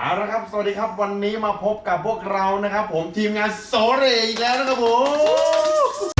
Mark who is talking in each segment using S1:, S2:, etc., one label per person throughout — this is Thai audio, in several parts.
S1: เอาละครับสวัสดีครับวันนี้มาพบกับพวกเรานะครับผมทีมงานโซเรอีกแล้วนะครับผม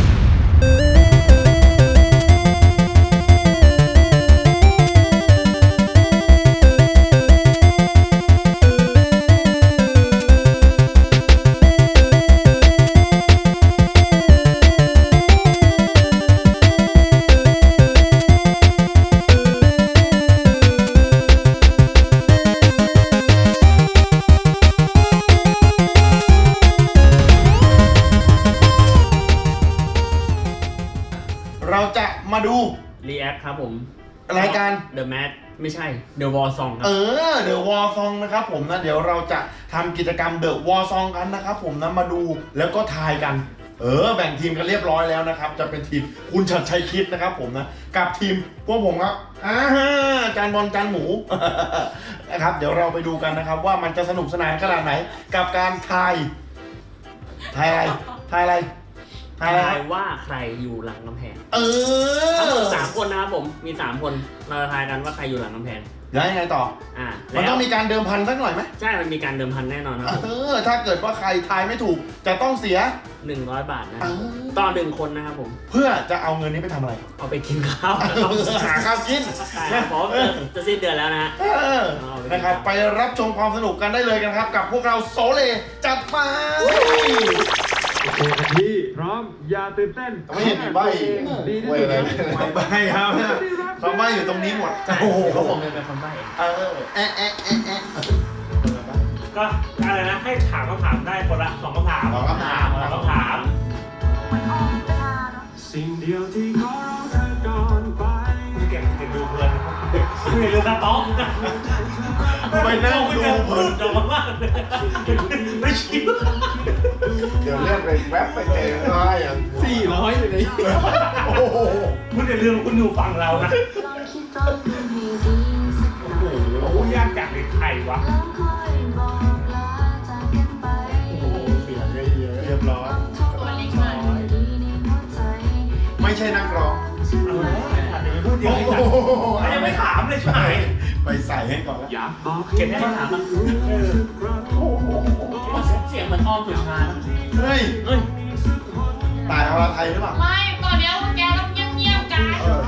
S1: เราจะมาดู
S2: React ครับผม
S1: รายการ
S2: The Match ไม่ใช่ The War Song ครับ
S1: The War Song นะครับผมนะเดี๋ยวเราจะทำกิจกรรม The War Song กันนะครับผมนะมาดูแล้วก็ทายกันแบ่งทีมกันเรียบร้อยแล้วนะครับจะเป็นทีมคุณชัดชัยคิดนะครับผมนะกับทีมพวกผมครับจานบอลจานหมู นะครับเดี๋ยวเราไปดูกันนะครับว่ามันจะสนุกสนานขนาดไหนกับการทายอะไรทาย
S2: ว่าใครอยู่หลังกำแพง
S1: ทั้
S2: งหมด3 คนนะครับผมมี3 คนเราจะทายกันว่าใครอยู่หลังกำแพง
S1: แล้วยังไงต่อมันต้องมีการเดิมพันสักหน่อยไหม
S2: ใช่มันมีการเดิมพันแน่นอนครับ
S1: ถ้าเกิดว่าใครทายไม่ถูกจะต้องเสีย
S2: 100 บาทนะต่อ1 คนนะครับผม
S1: เพื่อจะเอาเงินนี้ไปทำอะไร
S2: เอาไปกินข้าว
S1: หาข้าวกิน
S2: เพราะจะสิ้นเดือนแล้วนะ
S1: นะครับไปรับชมความสนุกกันได้เลยกันครับกับพวกเราโซเลจัดมา
S3: โอเคพี่พร้อมอย่าตื่นเต้น
S1: ไม่เห็นมีใบ
S3: ดีที่สุด
S1: ใบครับคำใบอยู่ตรงนี้หมด
S2: โอ้โหผมเป็นคนใบ
S4: ก็อะไรนะให้ถามคำถามได้คนละ2 คำถาม
S3: สิ่งเดียวที่ขอร้องเธอก่อนไป
S4: เก่งดูเพลินคุยเรื่องสต๊อก
S1: ไปนั่งดูเพลิน
S4: จังมากไม่คิด
S1: เดี๋ยวเรียกไปแวบไปเจออะไรอย่าง
S3: 400เลย
S1: โอ้โห
S4: คุณอย่าลืมคุณดูฟังเรานะโอ้โหยากจากในไทยวะ
S1: เสียงเรียบร้อยไม่ใช่นักร้อง
S4: ยังไม่ถามเลยใช่ไหม
S1: ไปใส่ให้ก่อนแล้ว
S2: เก็บให้ถามมันเสียงเหมือนอ้อมสุชา
S1: เฮ้ยตายเอาละไทยหรือเปล่า
S5: ไม่ตอนนี้แกต้องเงียบๆกัน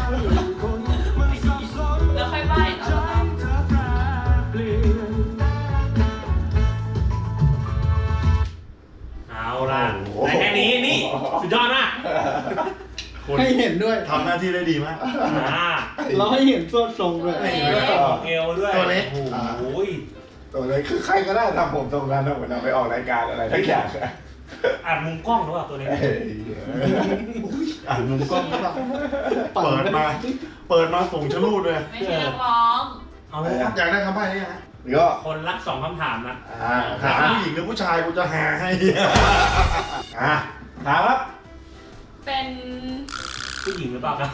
S5: แล้วค่อยใบ้
S4: เอาล่ะในแค่นี้นี่สุดยอดมาก
S3: ให้เห็นด้วย
S1: ทำหน้าที่ได้ดีมาก
S3: เราให้เห็นส่วนทรงด้วย
S4: เอวด้วย
S1: ตัวเล็ก
S6: ตัวเล็กคือใครก็ได้ทำผมตรงนั้นเหมือนไปออกรายการอะไรทุกอย่าง
S4: อ่านมุมกล้องหรือเปล่าตัวนี้
S1: อ่านมุมกล้องหรือเปล่าเปิดมาส่งชะลูดเลย
S5: ไม่ใช่นักร้อง
S4: เอาเลย
S1: อยากได้คำใบ้ได้ยัง
S6: ก็
S4: คนละ2 คำถามนะ
S1: ถามผู้หญิงหรือผู้ชายกูจะหาให้ถามครับ
S5: เป็น
S4: ผู้หญิงหรือเปล่าครับ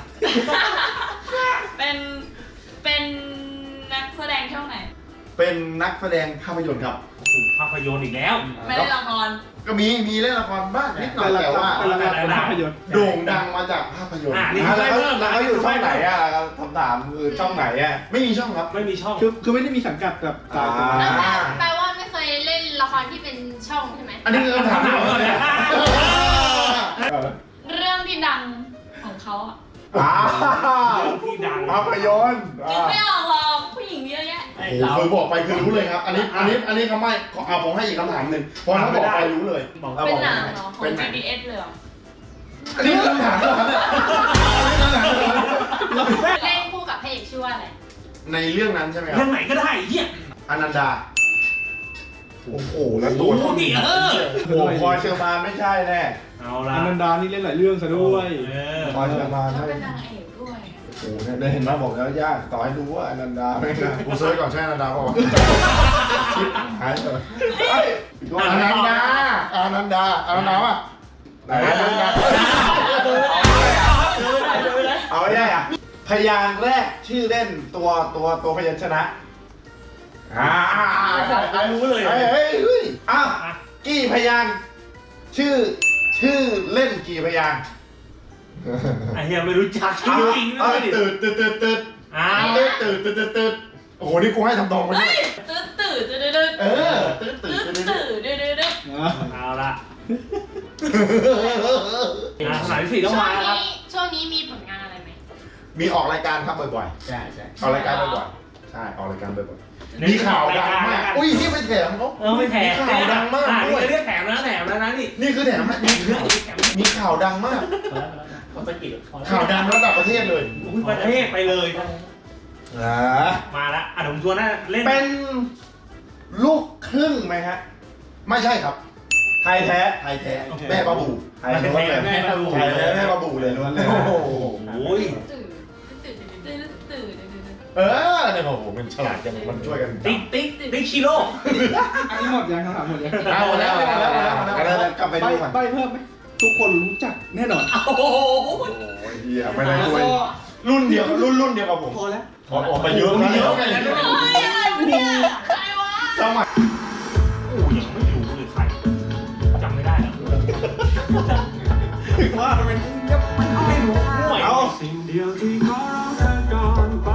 S5: เป็นนักแสดงช่องไหน
S1: เป็นนักแสดงภาพยนตร์ครับ
S4: ภาพยนตร์อีกแล้ว
S5: ไม่ได้ละคร
S1: ก็มีเล่นละครบ้างนิดหน่อยแต่ว่า
S3: ภาพยนตร์
S1: โด่งดังมาจากภาพยนตร์
S6: แล้วเขาอยู่ช่องไหนอ่ะคำถามคือช่องไหนอ่ะ
S1: ไม่มีช่องครับ
S4: ไม่มีช่อง
S3: คือไม่ได้มีสังกัดแบบ
S5: แปลว่าไม่เคยเล่นละครที่เป็นช่องใช่ไหม
S1: อันนี้คือคำถามที่บอกเลย
S5: เรื่องที่ดังของเขาอ่ะ
S4: ที่ดัง
S6: ภาพยนตร์
S5: ไม่ออกหรอกผู้หญิงเยอะแยะ
S1: คือบอกไปคือรู้เลยครับอันนี้คำใบ้ผมให้อีกคำถามหนึ่งพอถ้าบอกไปรู้เลย
S5: เป็นหนังเหรอของ GDS เลยเหรอ
S1: อันนี้คำถามเหรอครับเนี่ย
S5: เล่นคู่กับพระเอกชื่อว่าอะไร
S1: ในเรื่องนั้นใช่ไหมครับ
S4: เรื่องไหนก็ได้เหี้ย
S1: อนันดา
S6: โอ้โหแล้วตัว
S4: โอ้
S6: พอเชอร์มานไม่ใช่แน่
S4: เอาละ
S3: อนันดานี่เล่นหลายเรื่องซะด้วย
S6: พอเชอร์มาน
S5: เขาเป็นนางเอกด้วย
S6: โอ้โหเห็นไหมบอกแล้วยากต่อให้รู้ว่าอนันดาไม่นะ
S1: กูเซิร์ชก่อนใช่อนันดาป่าว
S6: ชิปหายเลย
S1: อนันดาป่ะ
S6: ไหนอนันดาเอาไม่ได้อ่ะพยางค์แรกชื่อเล่นตัวพยัญชนะ
S4: รู้เลย
S6: อ้าวกี่พยางค์ชื่อเล่นกี่พยางค์
S4: ไอ้เหี้ยไม่รู้จักจริงๆเลย
S1: ตื่นโอ้โหนี่กูให้ทำตรงไปด้วย
S5: ตื่น
S4: เอาละสนามที่4ต้องมาแล้วครับ
S5: ช่วงนี้มีผลงานอะไรไหม
S6: มีออกรายการครับบ่อย
S2: ใช่ใช่
S6: ๆออกรายการบ่อยๆใช่ออกรายการบ่อยๆมีข่าวดังมากอุ้ยนี่เป็นแถมเขา
S4: ไม่แถม
S6: มีข่าวดังมาก
S4: นี่
S6: ด้วย
S4: เรียกแถมแล้วนี่
S6: นี่คือแถมมี
S4: เรื่องแถม
S6: มีข่าวดังมาก
S2: เขาสะกิด
S6: ข่าวดังระดับประเทศเลย
S4: ประเทศไปเลย มาละอ่ะผมชวนนะเล่น
S6: เป็นลูกครึ่งไหมฮะ ไม่ใช่ครับ ไทยแท้ ไทยแท้ แม่ปลาบูไทยล้วนเลย
S4: แม่ปลาบู
S6: ไทยแท้แม่ปลาบูเลยล้วนเลยโอ้โห
S4: โอ้ย
S5: ตื่น
S6: เออเนี่ยโอ้โหมันฉลาดจังมันช่วยกัน
S4: ติ๊กชิโร่
S3: อันนี้หมดยังคำถามหมดยัง
S6: เอาหมดแล้วกลับไปดูก่อน
S3: ใบเพิ่มไหมทุกคนรู้จักแน่นอน
S4: โอ้โห
S6: โอ้ยเหี้ยไม่ได้ด้วยรุ่นเดียวรุ่นเดียวกับผม
S3: พอแล้ว
S6: ขอออกไปเยอะนะเยอะไง
S5: ใครวะ
S6: สมัย
S4: โอ้ยังไม่รู้เลยใครจำไม่ได้แล้ว
S6: ถึงว่ามัน
S4: ไม่รู้ห่วย
S6: เอา
S3: สิ่งเดียวที่ขอร้องเธอก่อนไป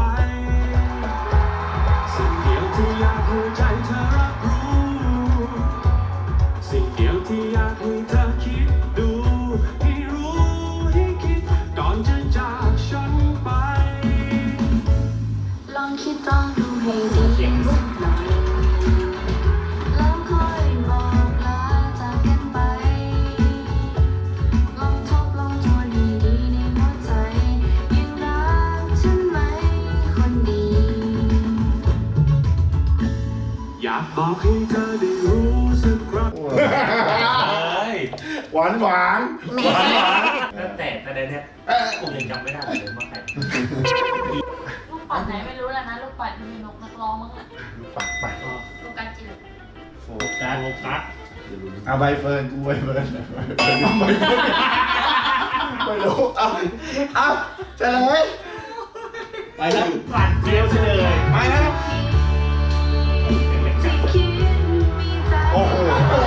S3: สิ่งเดียวที่อยากให้ใจเธอรับรู้ สิ่งเดียวที่อยากให้เธอคิดดูให้รู้ให้คิดก่อนจะจากฉันไป
S7: ลองคิดลองดูให้ดีสักหน่อยแล้วค่อยบอกลาจากกันไป ลองทบลองทวนให้ดีในหัวใจ ยังรักฉันไหมคนดี
S3: อยากบอกให้เธอได้รู้สักครั้ง
S6: หวานหวาน
S4: แต่เนี่ยกูยังจำไม่ได้เลยว่าใคร
S5: ลูกปัดไหนไม่รู้แล้วนะ ลูกปัดมีนกนักร้องมั้งแหละ
S6: ปักไป
S5: ลูกกัดจิ๋ว
S6: โฟ
S4: การโลกัส
S6: เอาใบเฟิร์นกูใบเฟิร์นไม่รู้เอาเฉลย
S3: ไปแล้ว
S4: ปัดเดียวเฉลย
S6: ไปแล้ว
S7: ที่คิดมีใจ
S6: โอ้โห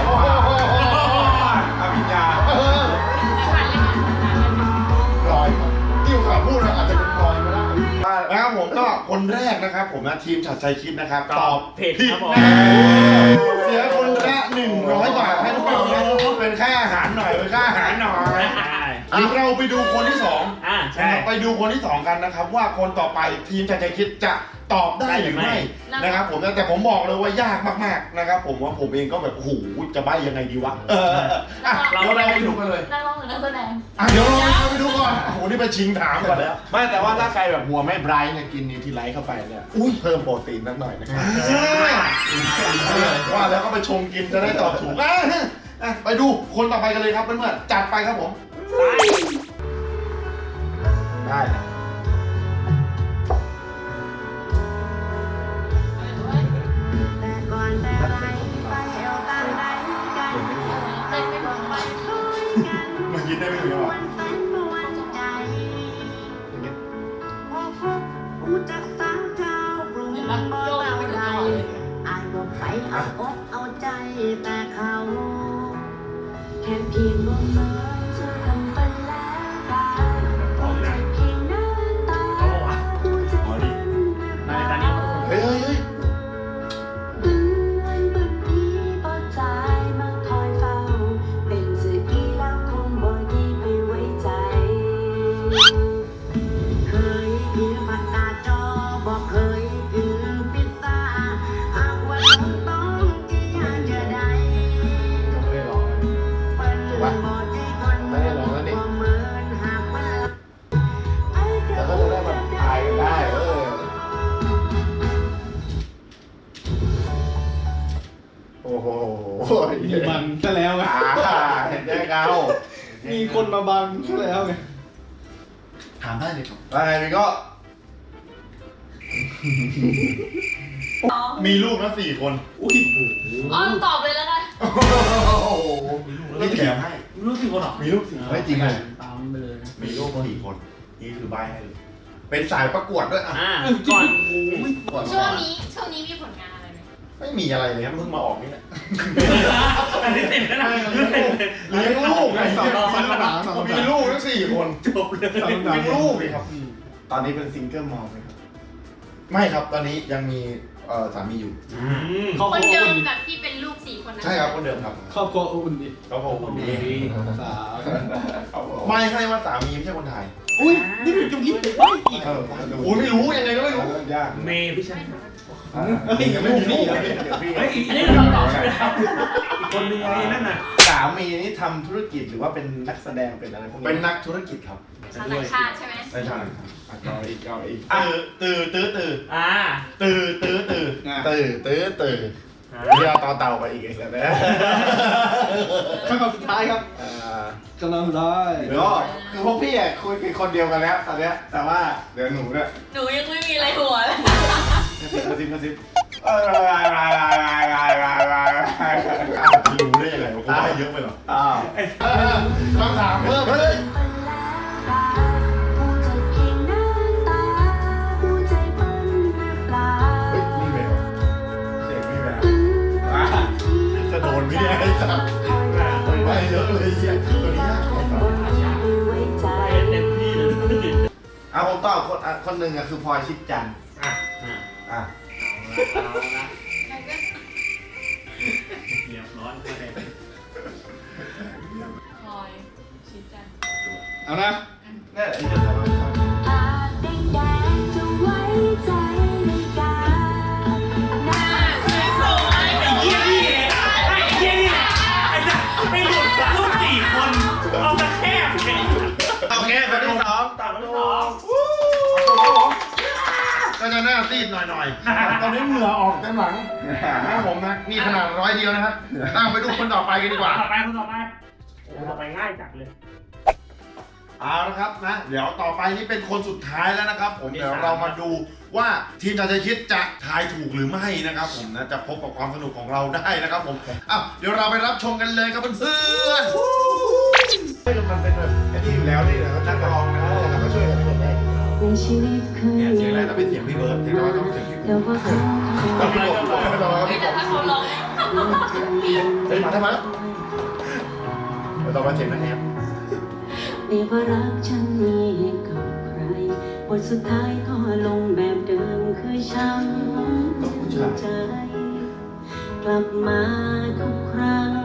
S6: อภิญญา
S5: ผ่านเลยค่ะ
S6: ลอยที่ข่าวพูดนะอาจจะเป็นลอยก็ได้นะครับผมก็คนแรกนะครับผมนะทีมฉัตรชัยคิดนะครับตอบ
S4: ผิดครับผม
S6: เสียคนละ100 บาทให้ทุกคนนะเป็นค่าอาหารหน่อยเป็นค่าอาหารหน่อยเราไปดูคนที่สอง
S4: ใช่
S6: ไปดูคนที่สองกันนะครับ ว่าคนต่อไปทีมฉัตรชัยคิดจะตอบได้หรือไม่นะครับผมแต่ผมบอกเลยว่ายากมากๆนะครับผมว่าผมเองก็แบบโอ้โหจะใบ้ยังไงดีวะเราไปดูกันเลย
S5: นักร้องหรือนักแสดง
S6: เดี๋ยวเราไปดูก่อนโอ้โหนี่ไปชิงถามก่อนแล้ว
S1: ไม่แต่ว่าถ้าใครแบบหัวไม่ไบรท์เนี่ยกินนิวทรีไลท์เข้าไปเนี่ย
S6: อุ้ย
S1: เพิ่มโปรตีนนิดหน่อยนะครับ
S6: ว่าแล้วก็ไปชงกินจะได้ตอบถูกไปดูคนต่อไปกันเลยครับเพื่อนๆจัดไปครับผม
S1: ได้นะ
S7: แต่ก่อนแต่ไรไปเอาตามใดกัน
S5: เต้นไม่ลงไป
S7: ช่วยกัน
S6: มันกินได้ไม่ถึงหรอ
S7: วันฝันวันใจพอพบกูจะสาวเจ้าปรุงบ่เท่าไรอายบอกไปเอาอกเอาใจแต่เขาแค่เพียงมองเมื่อจะทำเป็นแล้วได้หัวใจเพียงหน้าตาหัวใจเป็นแบบเรา
S6: เฮ้ย
S7: ปืนดีบ่ใจมาคอยเฝ้าเป็นสื่ออีแล้วคงบ่ดีไปไว้ใจ เคยกินผัดตาจอบ่เคยกินพิซซ่าหากว่าต้องที่อยากจะได้
S1: ไม่ได้ลอง
S7: เปิ้นบ่ใจคนบ่เหมือนหากว่า
S1: แต่ก็จะได้แบบทายกันได้โอ้โห
S3: มีบังซะแล้วไง
S1: เห็นได้เงา
S3: มีคนมาบังซะแล้วไง
S6: ถามได้เลยครับว่าไงพี่ก็ มีลูกนะ4 คน
S3: อุ้ย
S5: อ๋อตอบเลยแล้วกัน
S6: โอ้โหนี่แถมให้
S4: รู้สิคนหรอ
S6: มีลูก4ไม่จริงเลย
S2: ตามไปเลย
S6: มีลูก4 คน นี่คือใบให้เลย เป็นสายประกวดด้วยอ่ะ
S2: ก่อน
S5: ช่วงนี้มีผลงานอะไรไหม
S6: ไม่มีอะไรเลยครับเพิ่งมาออกนี่แหละ
S4: อันนี้เต็มแล้วนะ
S6: เลี้ยงลูกไง
S3: สองคำถาม
S6: มีลูกทั้ง4 คน
S4: จบเลย
S6: เลี้ยงลูกเลยครับ
S1: ตอนนี้เป็นซิงเกิลมอลไหมครับ
S6: ไม่ครับ ตอนนี้ยังมีสามีอยู่
S5: คนเดิมกับที่เป็นลูก4 คนนะ
S1: ใช่ครับคนเดิมครับ
S6: ครอบครัวอบอุ่นดี
S1: เขาบอกคนนี้
S6: สาว
S1: ไม่ใช่ว่าสามีไม่ใช่คนไทย
S6: อุ้ยนี่เป็นจุดนี้ไม่อีก
S1: โอ้ยไม่รู้ยังไงก็ไม่รู้
S6: ยาก
S4: เมย์พี่ชาย
S6: เฮ้ยยังไม่มี
S4: เฮ้ย
S2: อันนี้เราตอบใช่ไหมครับ
S4: อีกคนนึงไอ้นั่นน่ะ
S6: สามีนี่ทำธุรกิจหรือว่าเป็นนักแสดงเป็นอะไรพวกนี้
S1: เป็นนักธุรกิจครับ
S5: ชาวต่างชาติใช่ไหม
S1: ไม่ใช่
S6: เอาอีกเอาอีก
S1: ตื่น
S2: อ่า
S1: เรียกต่อเต่าไปอีกไอ้สัสนะ
S6: คำตอบสุดท้ายครับกำลังได้
S1: เดี๋ยวคือพวกพี่อ่ะคุยเป็นคนเดียวกันแล้วตอนเนี้ยแต่ว่าเดี๋ยวหนูเนี่ย
S5: หนูยังไม่มีอะไรหัวเลย
S1: กระซิบรู้ได้ยังไงว่ากูได้เยอะไปหรอคำถามเพิ่มเฮ้ย
S7: ผู้ใจเพียงหน้าตาผู้ใจเปิ้ลหรือเปล่า
S1: นี่แมวเสียงนี่แมวจะโดนไม่ได้จับไปเยอะเลยเสียงตัวนี้ยาก
S7: ไว้ใจ
S2: เต็มที่เลย
S1: ผมตอบคนหนึ่งอะคือพลอยชิดจันทร์
S2: อ่ะ
S1: อ่ะ
S2: เอาละเรียบร้อยเลย
S5: พลอยชิดจัน
S6: เอานะ
S1: นี่ไอ้เจ้าสาว
S7: ปากแดงๆจะไว้ใจในการหน้า
S5: สวย
S4: ไอ้เหี้ยนี่ไอ้เหี้ยนี่ไอ้สัสไม่หลุดลูก4 คนเอาตะแคบเลย
S1: โอเคคนที่สอง
S4: ตอบแล้วสอง
S1: ก็จะหน้าซีดหน่อยๆตอนนี้เหงื่อออกเต็มหลังนะผมนะนี่ขนาด100เดียวนะครับไปดูคนต่อไปกันดีกว่า
S4: ต่อไปคนต่อไปโอ้ต่อไปง่ายจัดเลย
S1: เอาละครับนะเดี๋ยวต่อไปนี่เป็นคนสุดท้ายแล้วนะครับ ผมเดี๋ยวเรามาดูว่าทีมชาติคิดจะทายถูกหรือไม่นะครับ ผมนะจะพบกับความสนุกของเราได้นะครับ ผมเดี๋ยวเราไปรับชมกันเลยครับเพื่อนๆมันเป็นแบบไอ้ที่อยู่แล้วนี่นะเขานักร้องนะแล้วก็ช่วยกันคนได้
S7: ในชีวิตเคย
S1: เนี่ยเสียงอะไรต้องเป็นเสียงพี่เบิร์ดเสียงอะไรต้องเป็นเสียงพี่
S7: แล้วก็เขา
S1: ต้องพี่กบต้อง
S5: เฮ้ย
S1: พี่ก
S5: แต่
S1: บ
S5: ถ้าเขาร้อง
S1: เฮ้ยมาได้มาแล้วเดี๋ยวต่อมาเสียงนะแอม
S7: ในว่ารักฉันมีกับใครบทสุดท้ายก็ลงแบบเดิมคือช้ำใจ กลับมาทุกครั้ง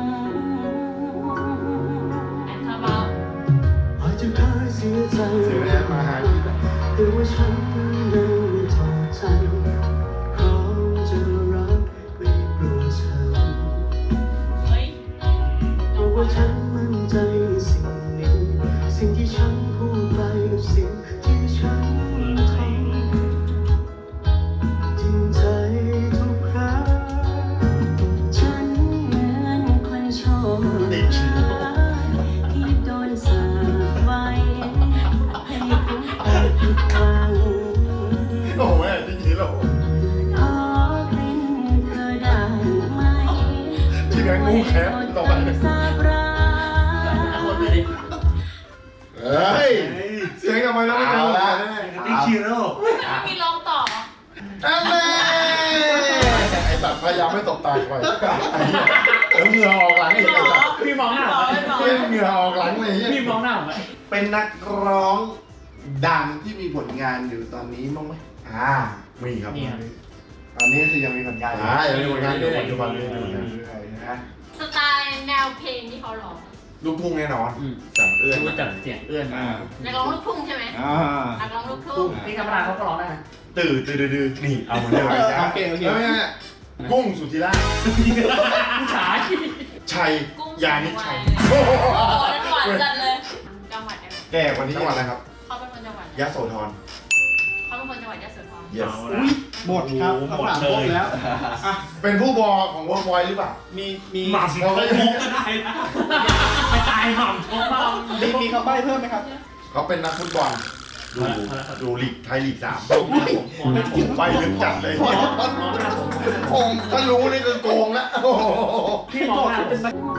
S5: แอนคาบาว
S3: อาจจะเคยเสียใจ
S1: เสียงแอมมาหาที่
S3: หรือว่าฉันนั้นถอดใจพร้อมจะรักไม่กลัวฉัน
S5: เฮ้ย
S3: เพราะว่าฉันมั่นใจในสิ่งหนึ่งสิ่งที่ฉันพูดไปกับสิ่งที่ฉันทำจริงใจทุกครั้ง
S7: ฉันเหมือนคนโชค
S1: ติดชิว
S7: ที่โดนสาปไว้ให้ทุกคนผิดหวัง
S1: โอ้โหจริงๆแล้ว
S7: ขอกลิ่นเธอได้ไหม
S1: ที่แบงค์งูแคปต่อไป
S7: สาบรา
S2: คนไปดิ
S1: เฮ้ยเสียงกลับมาแล้วไม่เอาละ
S4: ติ๊กชิโร่
S5: ไม่มีร้องต่อ
S1: อันเน่ไอ้สัตว์พยายามไม่ตกตายไปไอ้เหี้ยแล้วเหงื่อออกหลังอีกไอ้สัตว์
S2: พี่มองหน้าผม
S1: เฮ้ยเหงื่อออกหลังเลย
S2: พี่มองหน้าผมไหม
S6: เป็นนักร้องดังที่มีผลงานอยู่ตอนนี้มั้งไหม
S1: มีครับ
S2: นี่ครับ
S6: ตอนนี้คือยังมีผลงานอยู่
S1: ยังมีผลงานอยู่ปัจจุบันนี้
S6: นะ
S5: สไตล์แนวเพลงที่เขาร้อง
S1: ลูกทุ่งแน่นอน
S2: อืม
S1: สั่งเอื้อน
S2: ดูจากเสียงเอื้อนมา
S5: นักร้องลูกทุ่งใช่ไหมนักร้องลูกทุ่ง
S2: นี่ธรรมดาเขาก็ร้องได้นะ
S1: ตื่นนี่เอาเหมือนเดิม
S6: โอเคโอเค
S1: ไม่กุ้งสุธิราช
S2: ผู้ชาย
S1: ชัย
S5: กุ้ง
S1: ยานิชัย
S5: โอ้โหนั่นหวานจัดเลย จังหวัดอะไร
S1: แก่กว่านี้จังหวัดอะไรครับ
S5: เขาเป็นคนจังหวัด
S1: ยะโสธร
S5: เขาเป็นคนจังหวัดยะโสธร
S1: yes
S6: อุ้ยหมดครับคำถามครบแล้วอ่ะ
S1: เป็นผู้บอของวอร์บอยหรือเปล่า
S6: มี
S4: หม่ำโชกก็ได้นะไปตายหม่ำโชกบ้าง
S6: มีคำใบ้เพิ่มไหมครับ
S1: เขาเป็นนักฟุตบอลดูลีกไทยลีก 3
S2: มองหน้าผม
S1: ไปลึกจัดเลย
S2: มองหน้าผม
S1: ผมถ้ารู้นี่คือโกงแล้วโอ้โห
S2: พี่มองหน้าผม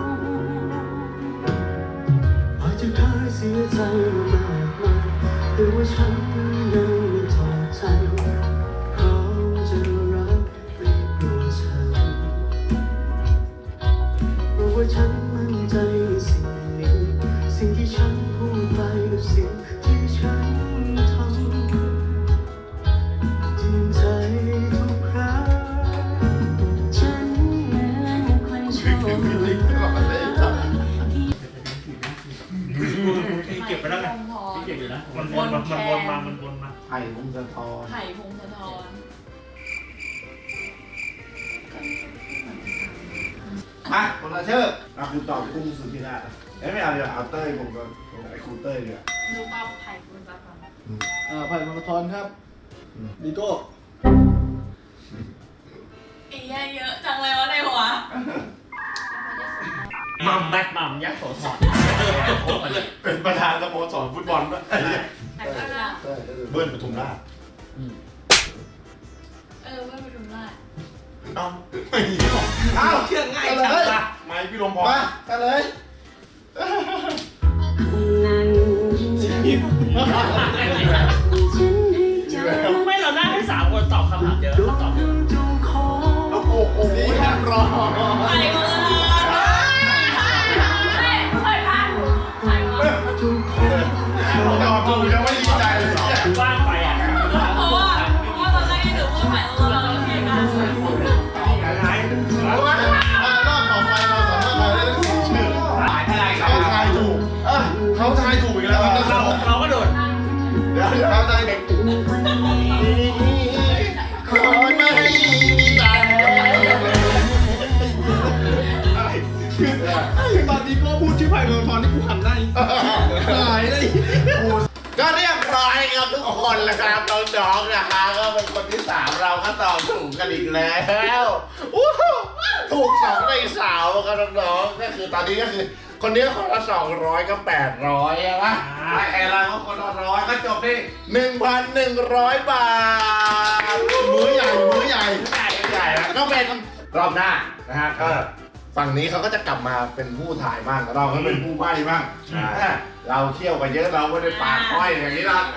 S3: อาจจะเคยเสียใจมากมายหรือว่าฉันนั้นถอดใจพร้อมจะรักไม่กลัวฉันเพราะว่าฉันมั่นใจในสิ่งหนึ่งสิ่งที่ฉันพูดไปกับสิ่งที่ฉันทำจริงใจทุกครั้ง
S7: ฉันเหมือนคนโชค
S1: ลิงตลอดเลย
S4: เก็บไปแล้วไง
S2: พี่เก่งอยู่นะ
S4: มันวนมามันวนมามันวนมา
S1: ไผ่พงศธร
S5: ไผ่พงศธร
S1: มาคนละชื่อเราคือตอบกุ้งสุธิราชไม่เอาเดี๋ยวเอาเต้ยผมก็ไอ้ครูเต้ยเดี๋ยว
S5: ดูเปล่าไผ่พงศธร
S6: ไผ่มาราธอนครับดีโก้
S5: ไอ้แย่เยอะจังเลยวะในหัว
S2: หม่ำไหมหม่ำยักษ์โสธร
S1: เป็นประธานสโมสรฟุตบอลด้วย
S5: ไผ่พงศธร
S1: เบิ้ลปทุมราช
S5: ไม่ไปดูได้
S1: เอ้าไม่มีเอ้าเชื่อง่ายจังละไม่พี่ลมพรมากันเลย
S2: ไม่เราได้ให้3 คนตอบคำถามเยอะแล้วตอบเยอะ
S1: โอ้โหนี่แทบรอ
S5: ไผ่พงศธรไผ่พันไผ่พัน
S1: ตอบถูกยังไม่ดีใจเลย
S2: ว่างไปอ่ะ
S5: เพราะว่าตอนแรกที่หนูพูดไผ่พงศธรแล้วเพียงกัน
S1: รอบต่อไปเราสามารถทายได้ทั้ง4ชื่อเขาทายถูกเขาทายถูกอีกแล้ว
S2: เราก็โดด
S1: เดี๋ยวเขาทายเด็กคนไม่ตายตอนนี้ก็พูดชื่อไผ่เมืองทองที่กูหันได้หายเลยก็เรียบร้อยครับทุกคนแล้วครับน้องๆนะคะก็เป็นคนที่3เราก็ตอบถูกกันอีกแล้วถูก2 ใน 3ครับน้องๆก็คือตอนนี้ก็คือคนนี้คนละ200กับ800ใช่ไหมไอ้เราก็คนละ100ก็จบที่ 1,100 บาทมื้อใหญ่แล้วก็เป็นรอบหน้านะฮะก็ฝั่งนี้เขาก็จะกลับมาเป็นผู้ถ่ายบ้างเราก็เป็นผู้ใบ้บ้างเราเที่ยวกันเยอะเราไม่ได้ปากค่อยอย่างนี้หรอก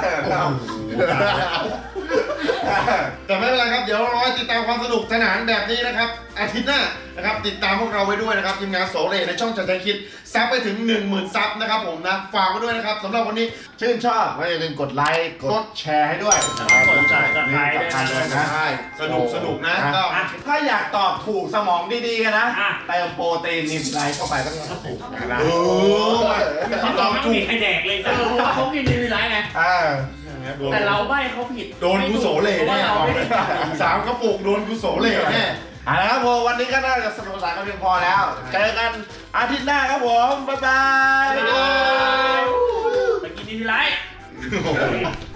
S1: แต่ไม่เป็นไรครับเดี๋ยวรอติดตามความสนุกสนานแบบนี้นะครับอาทิตย์หน้านะครับติดตามพวกเราไว้ด้วยนะครับทีมงานโสเรในช่องจัดใจคิดซับไปถึง 10,000 ซับนะครับผมนะฝากไว้ด้วยนะครับสำหรับวันนี้ชื่นชอบก็อย่าลืมกดไลค์กดแชร์ให้ด้วย
S2: กดจัดกับใครด้วยนะ
S1: ใช่สนุกนะก็ถ้าอยากตอบถูกสมองดีๆกันนะเติมโปรตีนนิฟไลท์เข้าไปตั้งแต่ถูกนะ
S2: เขาตอบไม่มีใครแดกเลยเขากินดีไรไงแต่เราใบ้เขาผิด
S1: โดนกุโสเล่แน่3 กระปุกโดนกุโสเล่แน่ครับผมวันนี้ก็น่าจะสนุกสนานกันเพียงพอแล้วเจอกันอาทิตย์หน้าครับผมบ๊ายบาย
S2: ไปกินดีไร